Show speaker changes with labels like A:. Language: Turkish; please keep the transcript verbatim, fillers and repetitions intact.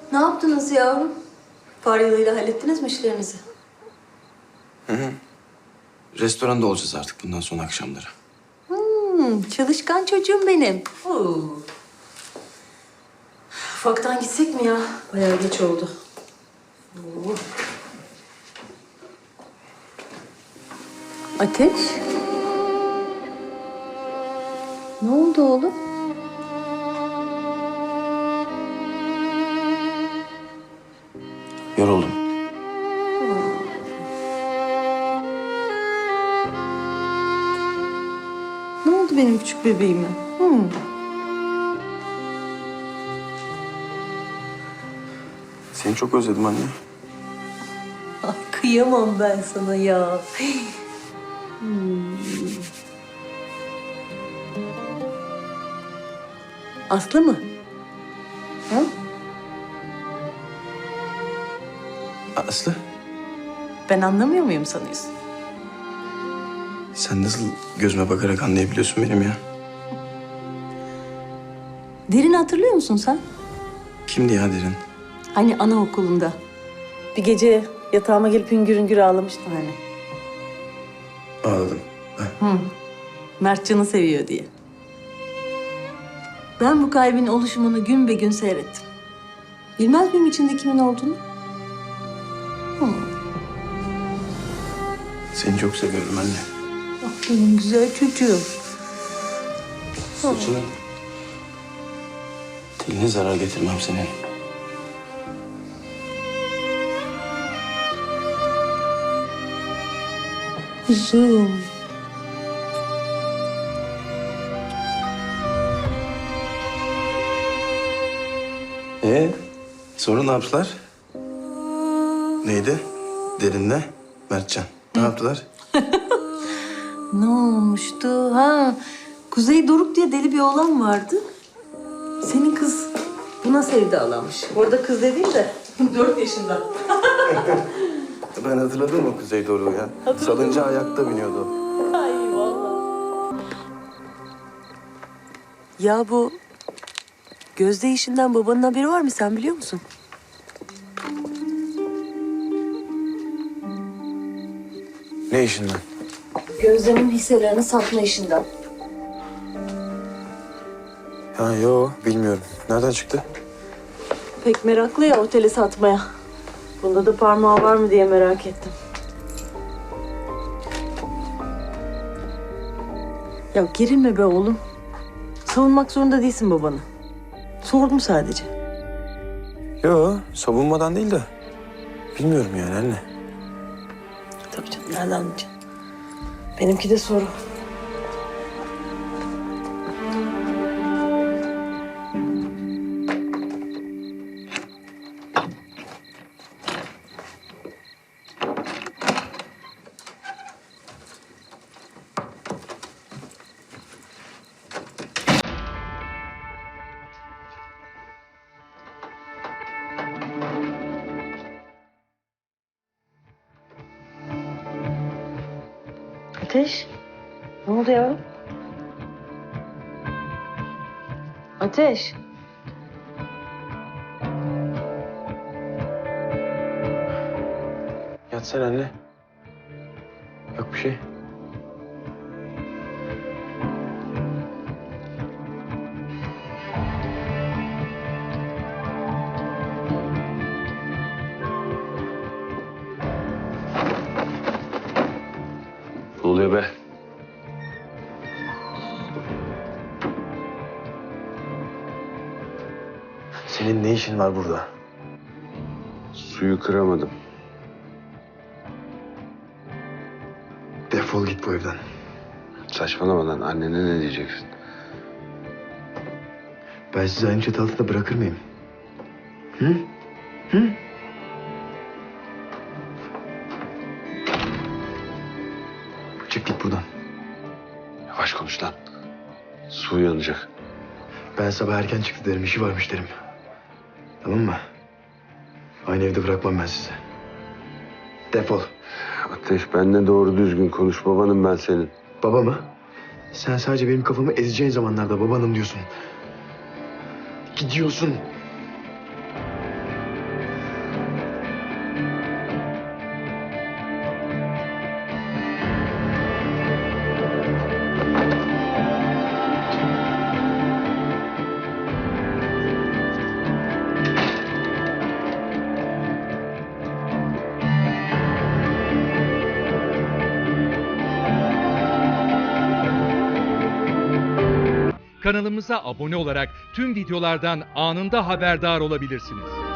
A: Ne yaptınız yavrum? Faryalı'yla hallettiniz mi işlerinizi?
B: Hı hı. Restoranda olacağız artık bundan sonra akşamları.
A: Hmm, çalışkan çocuğum benim. Oo. Ufaktan gitsek mi ya? Bayağı geç oldu. Oo. Ateş? Ne oldu oğlum?
B: Yoruldum.
A: Ne oldu benim küçük bebeğime? Hmm.
B: Seni çok özledim anne.
A: Ay, kıyamam ben sana ya. Hmm. Aslı mı? Ha?
B: Aslı,
A: Ben anlamıyor muyum sanıyorsun?
B: sen nasıl gözüme bakarak anlayabiliyorsun benim ya?
A: Derin hatırlıyor musun sen?
B: Kimdi ya Derin?
A: Hani anaokulunda. Bir gece yatağıma gelip hüngür hüngür ağlamıştın hani.
B: Ağladım. Ben.
A: Hı. Mert Can'ı seviyor diye. Ben bu kalbin oluşumunu gün be gün seyrettim. Bilmez miyim içinde kimin olduğunu? Hı.
B: Seni çok seviyorum anne.
A: Ah benim güzel çocuğum.
B: Saçının teline zarar getirmem senin.
A: Kuzum.
B: Ee, sonra ne yaptılar? Neydi? Derinle Mertcan. Ne yaptılar?
A: Ne olmuştu? Ha, Kuzey Doruk diye deli bir oğlan vardı. Senin kız buna sevdalanmış. Orada kız dediğin de dört yaşında.
B: Ben hatırladım o Kuzey Doruk'u ya. Salıncağa ayakta biniyordu.
A: Ay vallahi. Ya bu Gözde işinden babanın haberi var mı? Sen biliyor musun?
B: Ne işinden?
A: Gözde'nin hisselerini satma işinden.
B: Ha yo bilmiyorum. Nereden çıktı?
A: Pek meraklı ya oteli satmaya. Bunda da parmağı var mı diye merak ettim. Ya gerilme be oğlum. Savunmak zorunda değilsin babanı. Sordum sadece.
B: Yo savunmadan değil de. Bilmiyorum yani anne.
A: Tabii canım, nereden anlayacaksın? Benimki de soru. Ateş, ne oldu ya? Ateş.
B: Yatsana anne. Yok bir şey.
C: Ne oluyor be?
B: Senin ne işin var burada?
C: Suyu kıramadım.
B: Defol git bu evden.
C: Saçmalama lan. Annene ne diyeceksin?
B: Ben sizi aynı çatı altında bırakır mıyım? Hı? Hı? Çık git buradan.
C: Yavaş konuş lan. Su yanacak.
B: Ben sabah erken çıktı derim, işi varmış derim. Tamam mı? Aynı evde bırakmam ben sizi. Defol.
C: Ateş, benimle doğru düzgün konuş. Babanım ben senin.
B: Baba mı? Sen sadece benim kafamı ezeceğin zamanlarda babanım diyorsun. Gidiyorsun.
D: Kanalımıza abone olarak tüm videolardan anında haberdar olabilirsiniz.